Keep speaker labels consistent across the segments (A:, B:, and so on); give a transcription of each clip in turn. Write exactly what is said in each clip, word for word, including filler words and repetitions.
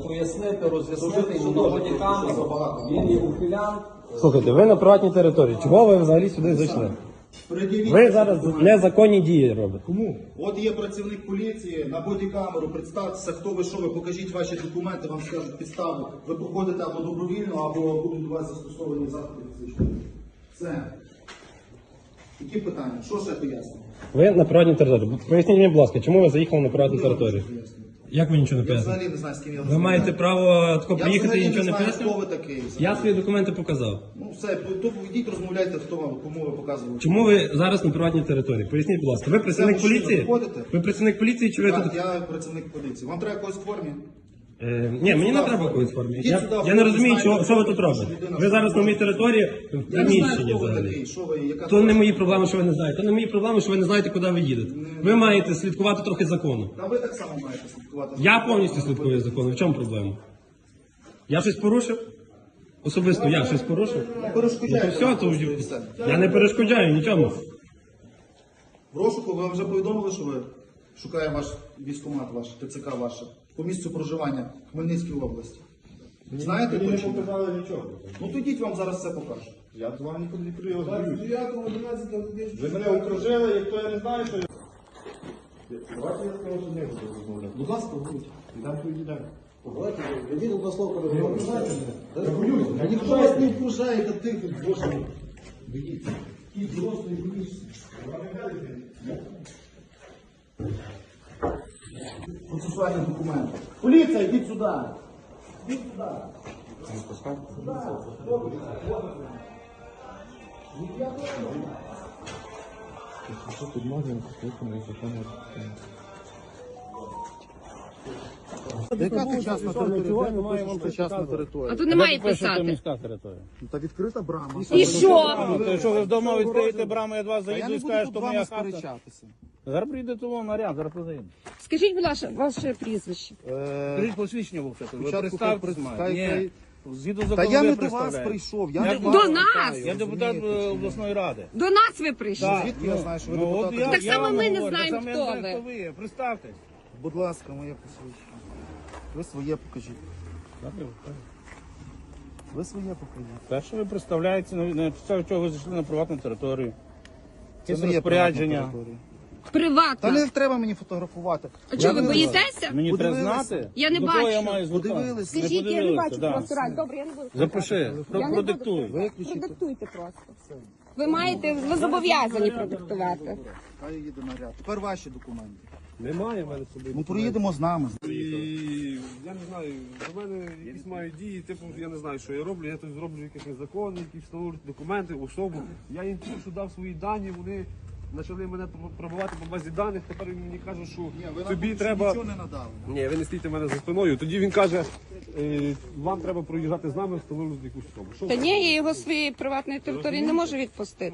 A: пояснити, роз'яснити йому на бодікамеру. Він є ухилянт.
B: Слухайте, ви на приватній території. Чого ви взагалі сюди зайшли? Ви зараз незаконні дії робите.
C: Кому? От є працівник поліції, на бодікамеру, представтеся, хто ви, що ви, покажіть ваші документи, вам скажуть підставу. Ви проходите або добровільно, або будуть до вас застосовані заходи фізичної. Все. Які питання? Що ще пояснює?
B: Ви на приватній території. Поясніть мені, будь ласка, чому ви заїхали на приватну територію? Як ви нічого не
C: Я
B: пояснили?
C: взагалі не знаю, з ким я
B: Ви
C: розмовляю.
B: маєте право тако
C: Я
B: приїхати і
C: взагалі
B: нічого
C: не
B: не
C: знаю, хто
B: пояснити?
C: ви такий.
B: Я свої документи показав.
C: Ну все, то йдіть розмовляйте, хто вам, кому ви показували.
B: Чому ви зараз на приватній території? Поясніть, будь ласка. Ви працівник
C: Це мужчина,
B: поліції?
C: виходите?
B: Ви працівник поліції чи ви
C: Так,
B: тут?
C: я працівник поліції. Вам треба когось в формі?
B: Е, ні, мені не треба якоїсь формі.
C: Ідіть
B: Я,
C: сюди,
B: я не розумію,
C: знаєте,
B: що, що ви тут
C: що
B: робите.
C: людина-
B: Ви зараз на моїй території в
C: Я не знаю,
B: приміщенні
C: хто ви
B: взагалі.
C: такий, що ви, яка
B: То не мої проблеми, що ви не знаєте. То не мої проблеми, що ви не знаєте, куди ви їдете. Ви маєте слідкувати трохи закону.
C: Та ви так само маєте слідкувати.
B: Я повністю слідкую за законом. В чому проблема? Я щось порушив? Особисто я щось порушив?
C: Не
B: Ну,
C: перешкоджайте.
B: то все, то
C: нам,
B: вже-
C: все.
B: я не перешкоджаю нічому.
C: В розшуку ви вже повідомили, що ви шукає ваш військкомат, ваш ТЦК ваше по місцю проживання в Хмельницькій області. Знаєте
D: Мені не
C: точно?
D: показали нічого.
C: Ну тоді вам зараз все покажу.
D: Я до вам нікуди не прийду. Ви мене окружили, як то я не знаю, що я... Давайте я скажу, що не буду розмовляти.
C: Будь ласка, будь.
D: Йдемо тоді далі.
A: Давайте, ведіть одне слово, коли ви окружаєте.
D: Я боюсь.
C: Та ніхто вас не окружає, та ти тут боже. Ведіть. І дорослий боюсь. Процесуальні документи. Поліція, йдіть сюди. Йдіть сюди. Яка сучасна територія? Немає вам сучасна територія.
E: А тут немає писати.
C: Та відкрита брама.
E: І що?
F: Ну, то якщо ви вдома відкриєте браму, я до вас
C: Та я
F: заїду
C: не
F: і
C: буду
F: скажу,
C: тут
F: що
C: з вами
F: моя хата.
C: сперечатися.
F: Зараз прийде того наряд, зараз позаїду.
E: Скажіть, будь ласка, ваше прізвище.
F: Скажіть посвідчення вовсе. Ви
C: Спочатку
F: представтесь
C: хай-
F: має.
C: хай-
F: Ні.
C: хай-
F: Згідно
C: Та
F: закону
C: я
F: ви
C: не до вас
F: представляєте.
C: прийшов, я
F: Як
C: не
F: до
C: вас
E: нас?
C: питаю,
F: Я депутат
C: розумієте,
F: е,
C: чи ні?
F: обласної ради.
E: До нас ви прийшли.
F: Так,
C: Звідки я знаю, що ви
F: ну, от
C: депутат?
F: я-
E: Так
F: я
E: само
F: вам
E: ми не
F: говорю,
E: знаємо,
F: так само
E: хто
F: я не знаю,
E: ви.
F: хто ви. Представтесь.
C: Будь ласка, моє посвідчення. Ви своє покажіть. Ви своє покажіть.
F: Те, що ви представляєте, на на підставі чого ви зайшли на приватну територію. Це
C: своє
F: розпорядження.
C: приватна територія. Та
E: Приватно.
C: не треба мені фотографувати.
E: А чого ви боїтеся?
F: Мені треба
C: Подивилися.
F: знати.
E: Я не
F: до кого
E: бачу.
F: я маю звертатися.
C: Подивилися.
F: Не
E: Скажіть, я не
F: подивилися,
E: бачу
F: да.
E: просто раз. Добре, я не буду.
F: Запиши,
E: Я
F: про-
E: не буду.
F: продиктуй.
E: Продиктуйте просто. Ви маєте, ви зобов'язані продиктувати.
C: Хай їде наряд. Тепер ваші документи.
B: Немає в мене з собою.
C: Ну проїдемо з нами.
G: І я не знаю, до мене якісь мають дії, типу, я не знаю, що я роблю, я тут зроблю якісь незаконні, які встановлюють документи, особу. Я їм тільки що дав свої дані, вони почали мене пробувати по базі даних, тепер він мені каже, що
C: Ви нам
G: тобі
C: більше
G: треба...
C: нічого не надали.
G: Ні, ви не стійте мене за спиною. Тоді він каже, е, вам треба проїжджати з нами, встановлювати якусь особу. Що
E: Та
G: ви?
E: ні, я його з своєї приватної території не можу відпустити.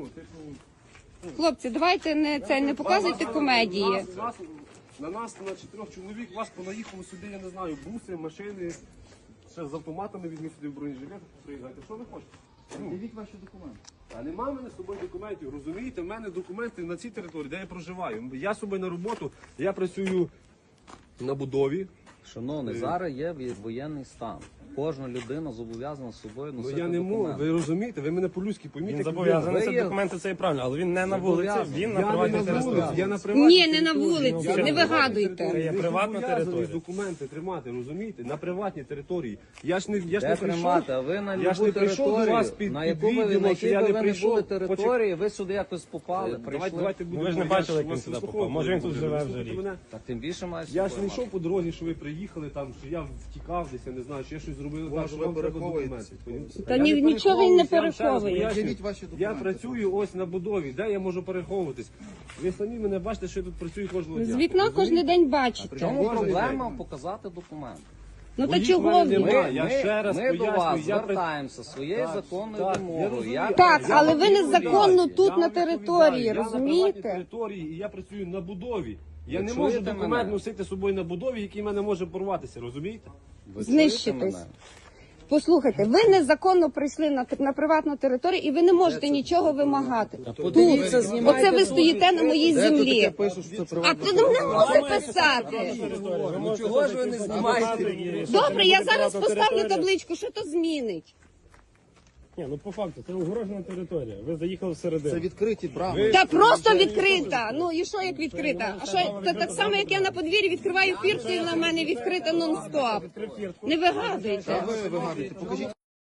E: Хлопці, давайте не це не показуйте комедії.
G: Нас, нас, на нас, на чотирьох чоловік, вас понаїхало сюди, я не знаю, буси, машини, ще з автоматами візьміть сюди в бронежилетах, приїжджайте. Що ви хочете?
C: Дивіть ваші документи.
G: А нема в мене з собою документів, розумієте? В мене документи на цій території, де я проживаю. Я з собою на роботу, я працюю на будові.
H: Шановний, зараз є воєнний стан. Кожна людина зобов'язана з собою
G: Ну
H: носити
G: я не можу,
H: документи.
G: ви розумієте, ви мене по-людськи пойміть.
B: Він
G: як
B: зобов'язаний
G: людина.
B: це
H: Ви є-
B: документи, це і правильно, але він не на вулиці,
H: Зобов'язаний.
B: він на
G: Я
B: приватній
G: не на
B: території.
G: вулиці, я на приватній
E: Ні, не на
G: території.
E: вулиці,
G: Я
E: не
G: на приватній
E: вигадуйте.
G: території.
B: Це є
G: Ви
B: приватна
G: зобов'язані
B: територія.
G: документи тримати, розумієте? На приватній території. Я ж не, я ж
H: Де
G: не прийшов,
H: тримати? А ви на
G: я ж
H: любу
G: не прийшов до вас
H: територію,
G: під,
H: на
G: під
H: яку ви,
G: відділом,
H: на
G: що
H: якій
G: я
H: би
G: не
H: ви не
G: прийшов.
H: були
G: Почек-
H: території, ви сюди якось попали,
G: Давайте,
H: прийшли.
G: давайте
B: Ну,
G: будемо
B: ви ж не
G: більш
B: бачили, як він
G: вас
B: сюди
G: заспокоїти.
B: попав. Може, він тут живе вже
G: Слухайте
B: рік.
G: мене.
H: Так тим більше має
G: Я ж
H: собою
G: не йшов
H: мати.
G: по дорозі, що ви приїхали там, що я втікав десь, я не знаю, що я щось зробив, так,
C: Може,
G: що
C: ви
G: вам треба
C: переховуєтесь?
G: документи. понімаєте?
E: Та
G: Я
E: ні-
G: не
E: нічого він не
G: переховуюсь, я вам ще раз
E: переховує.
G: пояснюю.
C: Явіть ваші
G: Я
C: документи.
G: працюю ось на будові, де я можу переховуватись. Ви самі мене бачите, що я тут працюю кожного дня.
E: З вікна кожен день бачите.
H: Чому
G: Кожен
H: проблема
G: день.
H: показати документи?
E: Ну то
G: Моїх
E: чого
G: мене
E: ви?
G: немає.
H: Ми,
G: Я
H: ми,
G: ще раз
H: ми до
G: пояснюю,
H: вас
G: я при-
H: звертаємося своєю законною
G: так, я
H: вимогою.
G: розумію.
H: Я-
E: Так,
H: я
E: але
H: вам
E: ви незаконно
H: відповідаю.
E: тут
G: Я
E: на
G: вам
E: території,
G: відповідаю. Я на
E: розумієте?
G: приватній території і я працюю на будові. Я
H: Ви
G: не можу
H: чуєте
G: документ
H: мене?
G: носити з собою на будові, який мене може порватися, розумієте?
H: Ви
E: Знищитись.
H: чуєте мене?
E: Послухайте, ви незаконно прийшли на, на приватну територію і ви не можете нічого вимагати. Тут. Оце ви стоїте на моїй землі. А ти не можете писати.
B: Ну чого ж ви не знімаєте?
E: Добре, я зараз поставлю табличку, що то змінить.
B: Ні, ну по факту, це огорожена територія. Ви заїхали всередину.
C: Це відкриті брами.
E: Та просто відкрита. Ну і що як відкрита? А що це так само, як я на подвір'ї відкриваю фіртку і вона в мене відкрита нон-стоп. Не вигадуйте.
C: Ви вигадуєте, покажіть.